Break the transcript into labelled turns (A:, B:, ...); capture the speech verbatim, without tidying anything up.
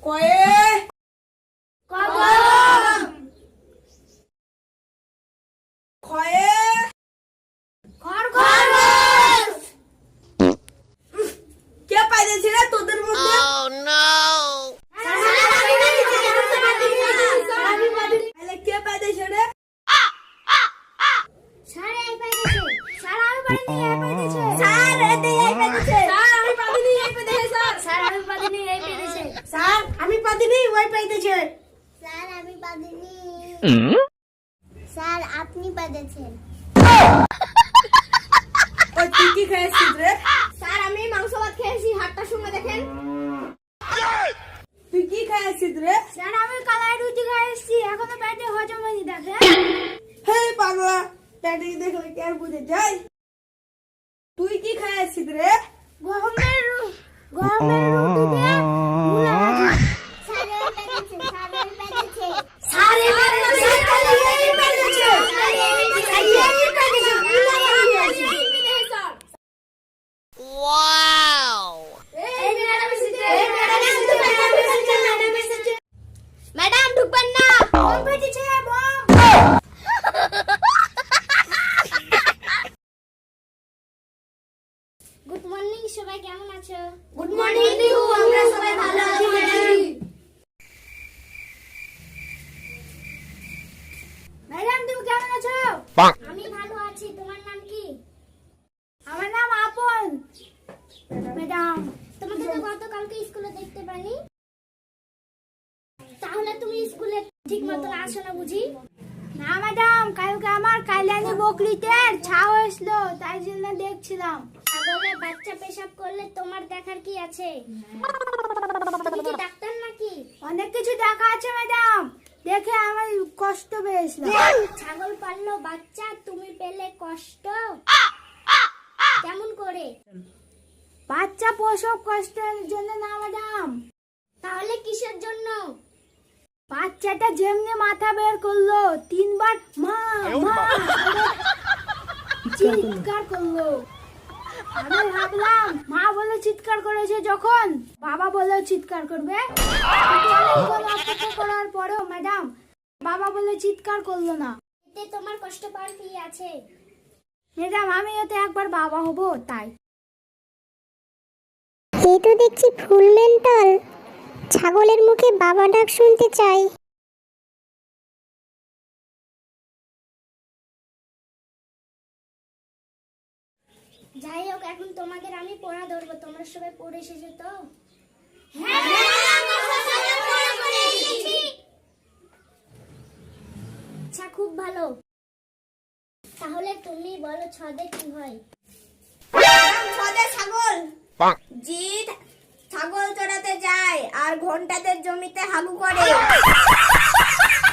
A: কয়ে
B: কদম
A: খয়ে
B: খরগোশ
A: কে পাইছে রে তোদের মধ্যে? তাহলে কে পাইছে রে?
B: স্যার এই পাইছে স্যার আমি পাইনি এই পাইছে
A: স্যার এতে এই পাইছে।
B: স্যার আমি পাইনি এই পাইছে স্যার স্যার আমি পাইনি এই পাইছে
A: স্যার আমি পাদিনি ওই পাইতেছে।
B: স্যার আমি পাইনি স্যার আপনি পাইছেন
A: ওই তুই কি খাইছিস রে?
B: স্যার আমি মাংস ভাত খেয়েছি হাতটা শুনে দেখেন
A: তুই কি খাইছিস রে?
B: স্যার আমি কালাই রুটি খেয়েছি এখনো পেটে হজম হয়নি দেখেন
A: হে পাগলা, পেটে দেখলে কি আর বুঝে যায়? তুই কি খাইছিস রে?
B: গহমের রু- গহমের রুটি দিয়ে মুলা ভাজি স্যার এই পেটেছে স্যার এই পেটেছে স্যার এই পেটেছে স্যার এই পেটেছে স্যার এই পেটেছে মুলা ভাজি স্যার
C: Wow!
B: এই ম্যাডাম এসেছে এই ম্যাডাম এসেছে ম্যাডাম এসেছে ম্যাডাম এসেছে ম্যাডাম ঢুকবেন না বম ফেটেছে বম গুড মর্নিং সবাই কেমন আছো গুড মর্নিং দিউ আমরা সবাই ভালো আছি ম্যাডাম ম্যাডাম তুমি কেমন আছো আমি ভালো আছি তোমার নাম কি আমার নাম আপন ম্যাডাম তোমাকে তো গতকালকে স্কুলে দেখতে পাইনি তাহলে তুমি স্কুলে ঠিক মতো আসো না বুঝি না ম্যাডাম কালকে আমার কাইলানি বকরিতে ছাও হয়েছিল তাই জন্য দেখছিলাম ছাগলের বাচ্চা পেশাব করলে তোমার দেখার কি আছে তুমি কি ডাক্তার নাকি অনেক কিছু দেখা আছে ম্যাডাম দেখে আমার কষ্ট পেয়েছিলাম ছাগল পাললো বাচ্চা তুমি পেলে কষ্ট কেমন করে বাচ্চা প্রসব কষ্টের জন্য না ম্যাডাম তাহলে কিসের জন্য বাচ্চাটা যেমনি মাথা বের করলো তিনবার মা মা চিৎকার করলো আমি ভাবলাম মা বলে চিৎকার করেছে যখন বাবা বলে চিৎকার করবে কিন্তু অনেকক্ষণ অপেক্ষা করার পরেও ম্যাডাম বাবা বলে চিৎকার করলো না এতে তোমার কষ্ট পাওয়ার কি আছে ম্যাডাম আমি এতে একবার বাবা হব তাই
D: এই তো দেখছি ফুল মেন্টাল ছাগলের মুখে বাবা ডাক শুনতে চাই
B: যাই হোক এখন তোমাদের আমি পড়া ধরবো তোমরা সবাই পড়ে এসেছো তো আচ্ছা খুব ভালো তাহলে তুমি বলো ছদে কি হয়
A: ছদে ছাগল জিৎ ছাগল চড়াতে যায় আর ঘন্টাদের জমিতে হাগু করে।